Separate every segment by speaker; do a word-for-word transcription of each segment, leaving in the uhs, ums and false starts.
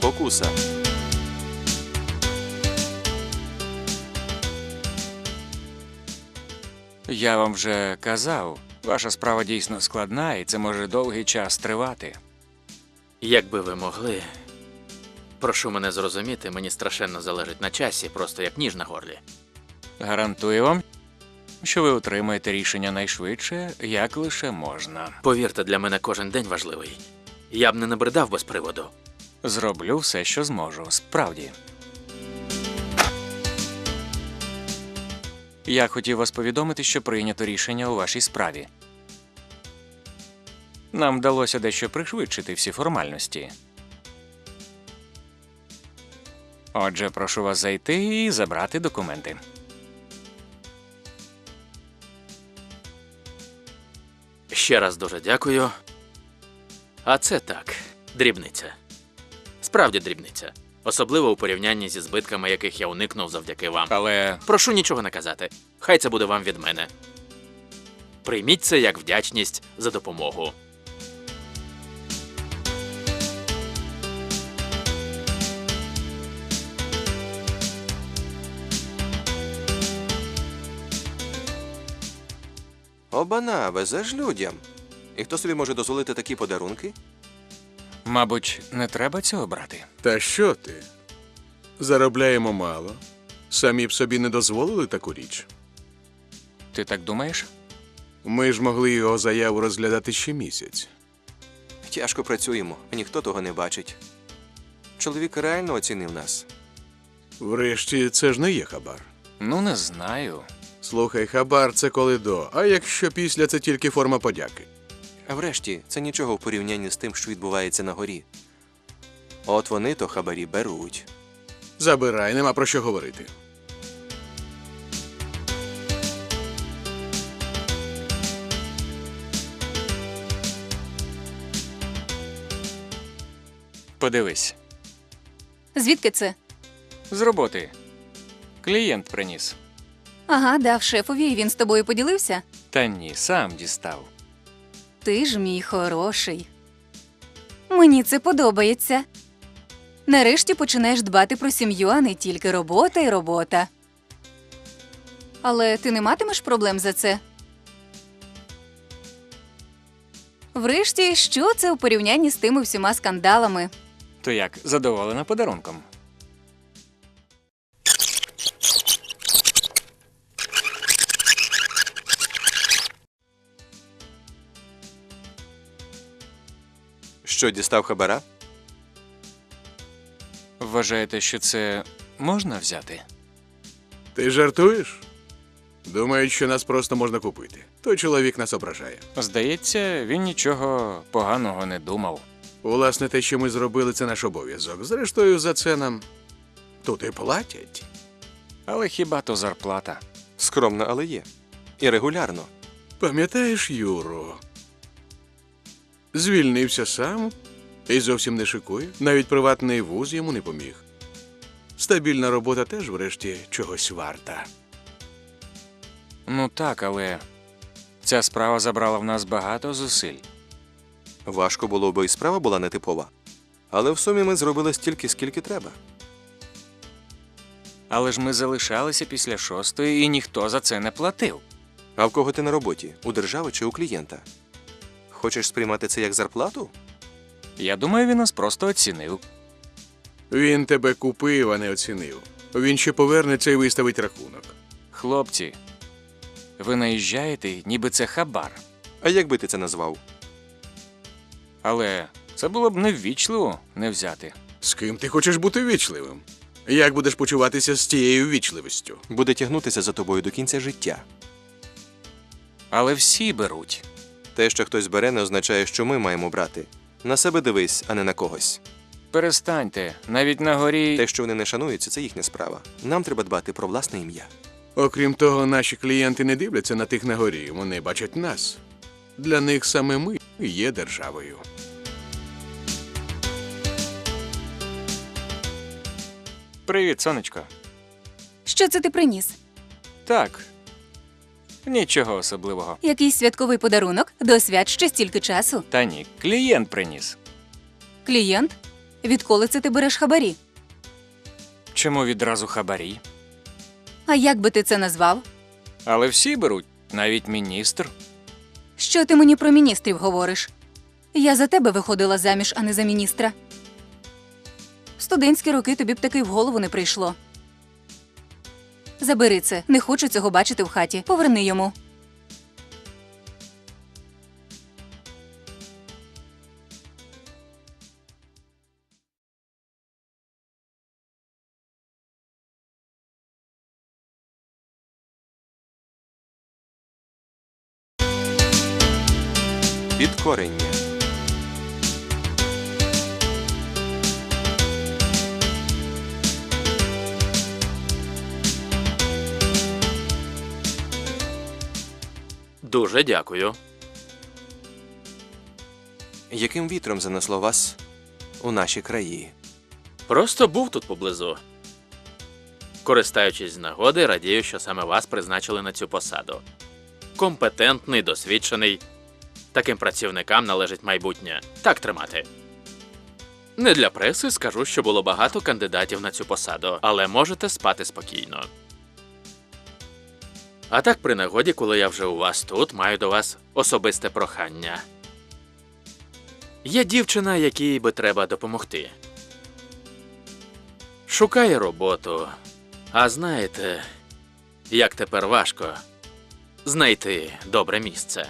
Speaker 1: Спокуса.
Speaker 2: Я вам вже казав, ваша справа дійсно складна, і це може довгий час тривати.
Speaker 3: Якби ви могли. Прошу мене зрозуміти, мені страшенно залежить на часі, просто як ніж на горлі.
Speaker 2: Гарантую вам, що ви отримаєте рішення найшвидше, як лише можна.
Speaker 3: Повірте, для мене кожен день важливий. Я б не набридав без приводу.
Speaker 2: Зроблю все, що зможу, справді. Я хотів вас повідомити, що прийнято рішення у вашій справі. Нам вдалося дещо пришвидшити всі формальності. Отже, прошу вас зайти і забрати документи.
Speaker 3: Ще раз дуже дякую. А це так, дрібниця. Справді дрібниця. Особливо у порівнянні зі збитками, яких я уникнув завдяки вам.
Speaker 2: Але
Speaker 3: Прошу нічого не казати. Хай це буде вам від мене. Прийміть це як вдячність за допомогу.
Speaker 1: Обана, везеш людям. І хто собі може дозволити такі подарунки?
Speaker 2: мабуть, не треба цього брати.
Speaker 4: Та що ти? Заробляємо мало. Самі б собі не дозволили таку річ.
Speaker 2: Ти так думаєш?
Speaker 4: Ми ж могли його заяву розглядати ще місяць.
Speaker 1: Тяжко працюємо, а ніхто того не бачить. Чоловік реально оцінив нас.
Speaker 4: Врешті, це ж не є хабар.
Speaker 2: Ну, не знаю.
Speaker 4: Слухай, хабар – це коли до, а якщо після – це тільки форма подяки.
Speaker 1: А врешті, це нічого в порівнянні з тим, що відбувається на горі. От вони то хабарі беруть.
Speaker 4: Забирай, нема про що говорити.
Speaker 2: Подивись.
Speaker 5: Звідки це?
Speaker 2: З роботи. Клієнт приніс.
Speaker 5: Ага, дав шефові, і він з тобою поділився?
Speaker 2: Та ні, сам дістав.
Speaker 5: Ти ж мій хороший. Мені це подобається. Нарешті починаєш дбати про сім'ю, а не тільки робота і робота. Але ти не матимеш проблем за це? Врешті, що це у порівнянні з тими всіма скандалами?
Speaker 2: То як, задоволена подарунком?
Speaker 1: Що, дістав хабара?
Speaker 2: Вважаєте, що це можна взяти?
Speaker 4: Ти жартуєш? Думають, що нас просто можна купити. Той чоловік нас ображає.
Speaker 2: Здається, він нічого поганого не думав.
Speaker 4: Власне, те, що ми зробили, це наш обов'язок. Зрештою, за це нам тут і платять.
Speaker 2: Але хіба то зарплата?
Speaker 1: Скромно, але є. І регулярно.
Speaker 4: Пам'ятаєш Юру? Звільнився сам і зовсім не шикує. Навіть приватний вуз йому не поміг. Стабільна робота теж, врешті, чогось варта.
Speaker 2: Ну так, але ця справа забрала в нас багато зусиль.
Speaker 1: Важко було, бо і справа була нетипова. Але в сумі ми зробили стільки, скільки треба.
Speaker 2: Але ж ми залишалися після шостої, і ніхто за це не платив.
Speaker 1: А в кого ти на роботі? У держави чи у клієнта? Хочеш сприймати це як зарплату?
Speaker 2: Я думаю, він нас просто оцінив.
Speaker 4: Він тебе купив, а не оцінив. Він ще повернеться і виставить рахунок.
Speaker 2: Хлопці, ви наїжджаєте, ніби це хабар.
Speaker 1: А як би ти це назвав?
Speaker 2: Але це було б неввічливо не взяти.
Speaker 4: З ким ти хочеш бути ввічливим? Як будеш почуватися з тією ввічливістю?
Speaker 1: Буде тягнутися за тобою до кінця життя.
Speaker 2: Але всі беруть.
Speaker 1: Те, що хтось бере, не означає, що ми маємо брати. На себе дивись, а не на когось.
Speaker 2: Перестаньте, навіть на горі...
Speaker 1: Те, що вони не шануються, це їхня справа. Нам треба дбати про власне ім'я.
Speaker 4: Окрім того, наші клієнти не дивляться на тих на горі, вони бачать нас. Для них саме ми є державою.
Speaker 2: Привіт, сонечко.
Speaker 5: Що це ти приніс?
Speaker 2: Так, нічого особливого.
Speaker 5: Якийсь святковий подарунок? До свят ще стільки часу.
Speaker 2: Та ні, клієнт приніс.
Speaker 5: Клієнт? Відколи це ти береш хабарі?
Speaker 2: Чому відразу хабарі?
Speaker 5: А як би ти це назвав?
Speaker 2: Але всі беруть, навіть міністр.
Speaker 5: Що ти мені про міністрів говориш? Я за тебе виходила заміж, а не за міністра. В студентські роки тобі б таки в голову не прийшло. Забери це, не хочу цього бачити в хаті. Поверни йому.
Speaker 1: Підкорення.
Speaker 3: Дуже дякую.
Speaker 1: Яким вітром занесло вас у наші краї?
Speaker 3: Просто був тут поблизу. Користаючись з нагоди, радію, що саме вас призначили на цю посаду. Компетентний, досвідчений. Таким працівникам належить майбутнє. Так тримати. Не для преси скажу, що було багато кандидатів на цю посаду, але можете спати спокійно. А так, при нагоді, коли я вже у вас тут, маю до вас особисте прохання. Є дівчина, якій би треба допомогти. Шукає роботу. А знаєте, як тепер важко знайти добре місце.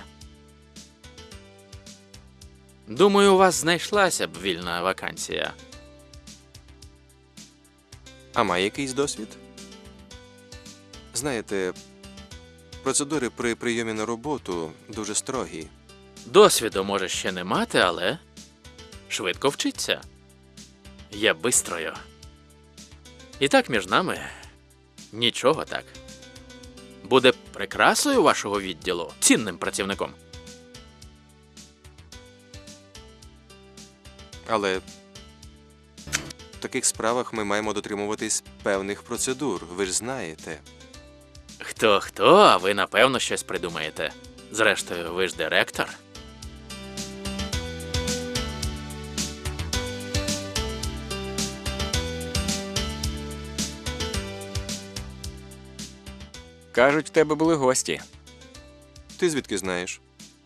Speaker 3: Думаю, у вас знайшлася б вільна вакансія.
Speaker 1: А має якийсь досвід? Знаєте, процедури при прийомі на роботу дуже строгі.
Speaker 3: Досвіду може ще не мати, але швидко вчиться. Я бистрою. І так між нами нічого так. Буде прикрасою вашого відділу, цінним працівником.
Speaker 1: Але в таких справах ми маємо дотримуватись певних процедур, ви ж знаєте.
Speaker 3: Хто-хто, а ви, напевно, щось придумаєте. Зрештою, ви ж директор.
Speaker 2: Кажуть, в тебе були гості.
Speaker 1: Ти звідки знаєш?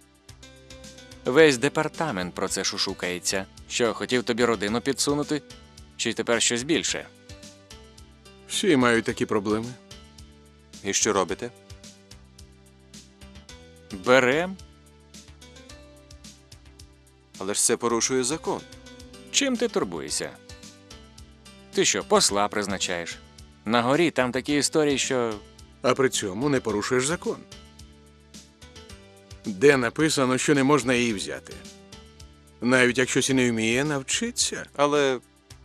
Speaker 2: Весь департамент про це шушукається. Що, хотів тобі родину підсунути? Чи тепер щось більше?
Speaker 4: Всі мають такі проблеми.
Speaker 1: І що робите?
Speaker 2: Берем.
Speaker 1: Але ж це порушує закон.
Speaker 2: Чим ти турбуєшся? Ти що, посла призначаєш? На горі там такі історії, що...
Speaker 4: А при цьому не порушуєш закон. Де написано, що не можна її взяти. Навіть якщо сі не вміє навчитися,
Speaker 1: Але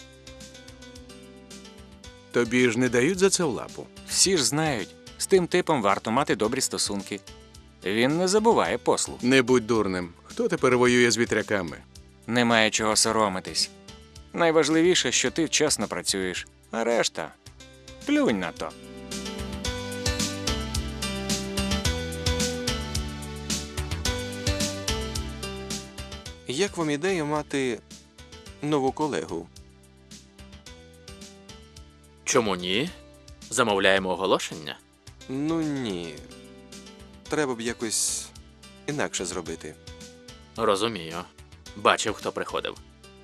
Speaker 4: тобі ж не дають за це в лапу.
Speaker 2: Всі ж знають, з тим типом варто мати добрі стосунки. Він не забуває послу.
Speaker 4: Не будь дурним. Хто тепер воює з вітряками?
Speaker 2: Немає чого соромитись. Найважливіше, що ти чесно працюєш, а решта – плюнь на то.
Speaker 1: як вам ідея мати нову колегу?
Speaker 3: Чому ні? Замовляємо оголошення?
Speaker 1: Ну ні. Треба б якось інакше зробити.
Speaker 3: Розумію. Бачив, хто приходив.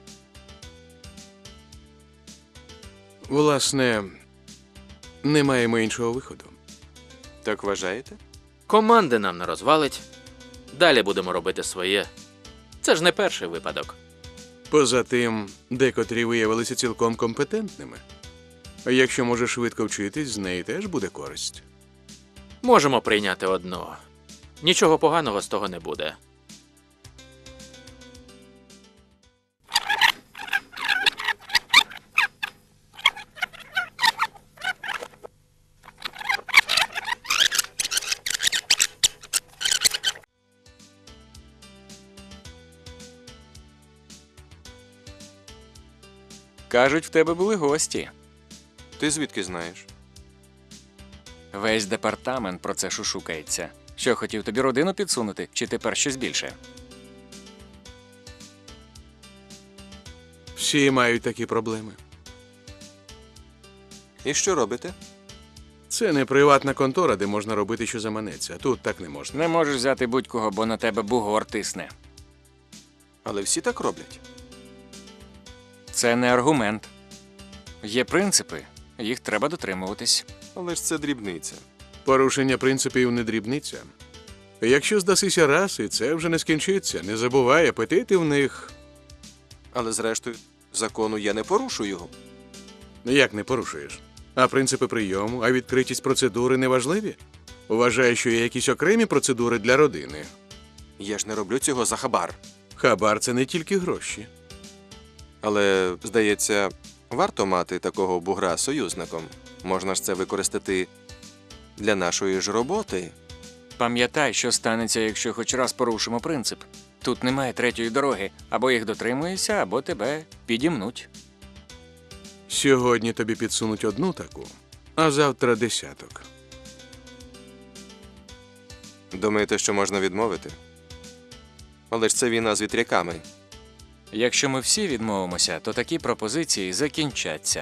Speaker 4: Власне, не маємо іншого виходу.
Speaker 1: Так вважаєте?
Speaker 3: Команди нам не розвалить. Далі будемо робити своє. Це ж не перший випадок.
Speaker 4: Поза тим, декотрі виявилися цілком компетентними. А якщо може швидко вчитись, з неї теж буде користь.
Speaker 3: Можемо прийняти одну. Нічого поганого з того не буде.
Speaker 2: Кажуть, в тебе були гості.
Speaker 1: Ти звідки знаєш?
Speaker 2: Весь департамент про це шушукається. Що, хотів тобі родину підсунути, чи тепер щось більше?
Speaker 4: Всі мають такі проблеми.
Speaker 1: І що робите?
Speaker 4: Це не приватна контора, де можна робити, що заманеться. Тут так не можна.
Speaker 2: Не можеш взяти будь-кого, бо на тебе бугор тисне.
Speaker 1: Але всі так роблять.
Speaker 2: Це не аргумент. Є принципи, їх треба дотримуватись.
Speaker 1: Але ж це дрібниця.
Speaker 4: Порушення принципів не дрібниця. Якщо здасися раз, і це вже не скінчиться. Не забувай, апетити в них.
Speaker 1: Але зрештою, закону я не порушу його.
Speaker 4: Як не порушуєш? А принципи прийому, а відкритість процедури не важливі? Вважаєш, що є якісь окремі процедури для родини.
Speaker 1: Я ж не роблю цього за хабар.
Speaker 4: Хабар – це не тільки гроші.
Speaker 1: Але, здається, варто мати такого бугра союзником. Можна ж це використати для нашої ж роботи.
Speaker 2: Пам'ятай, що станеться, якщо хоч раз порушимо принцип. Тут немає третьої дороги. Або їх дотримуєшся, або тебе підімнуть.
Speaker 4: Сьогодні тобі підсунуть одну таку, а завтра десяток.
Speaker 1: Думаєте, що можна відмовити? Але ж це війна з вітряками.
Speaker 2: Якщо ми всі відмовимося, то такі пропозиції закінчаться.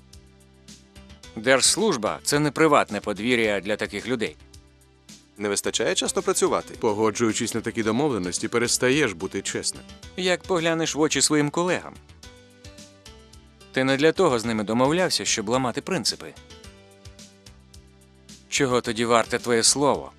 Speaker 2: Держслужба – це не приватне подвір'я для таких людей.
Speaker 1: Не вистачає часто працювати.
Speaker 4: Погоджуючись на такі домовленості, перестаєш бути чесним.
Speaker 2: Як поглянеш в очі своїм колегам. Ти не для того з ними домовлявся, щоб ламати принципи. Чого тоді варте твоє слово?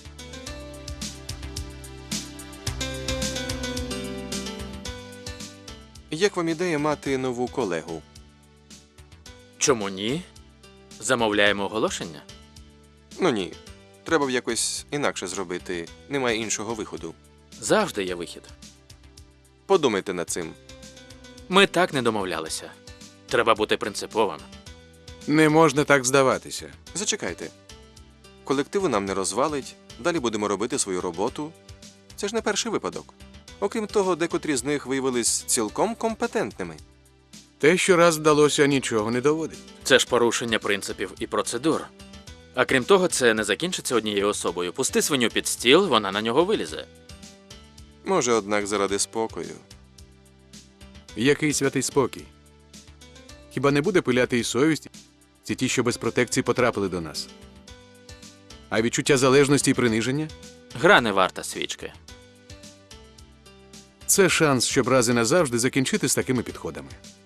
Speaker 1: Як вам ідея мати нову колегу?
Speaker 3: Чому ні? Замовляємо оголошення?
Speaker 1: Ну ні. Треба б якось інакше зробити. Немає іншого виходу.
Speaker 3: Завжди є вихід.
Speaker 1: Подумайте над цим.
Speaker 3: Ми так не домовлялися. Треба бути принциповим.
Speaker 4: Не можна так здаватися.
Speaker 1: Зачекайте. Колективу нам не розвалить, далі будемо робити свою роботу. Це ж не перший випадок. Окрім того, декотрі з них виявились цілком компетентними.
Speaker 4: Те, що раз вдалося, нічого не доводить.
Speaker 3: Це ж порушення принципів і процедур. А крім того, це не закінчиться однією особою. Пусти свиню під стіл, вона на нього вилізе.
Speaker 1: Може, однак, заради спокою.
Speaker 4: Який святий спокій? Хіба не буде пиляти і совість, ці ті, що без протекції потрапили до нас? А відчуття залежності і приниження?
Speaker 3: Гра не варта свічки.
Speaker 4: Це шанс, щоб раз і назавжди закінчити з такими підходами.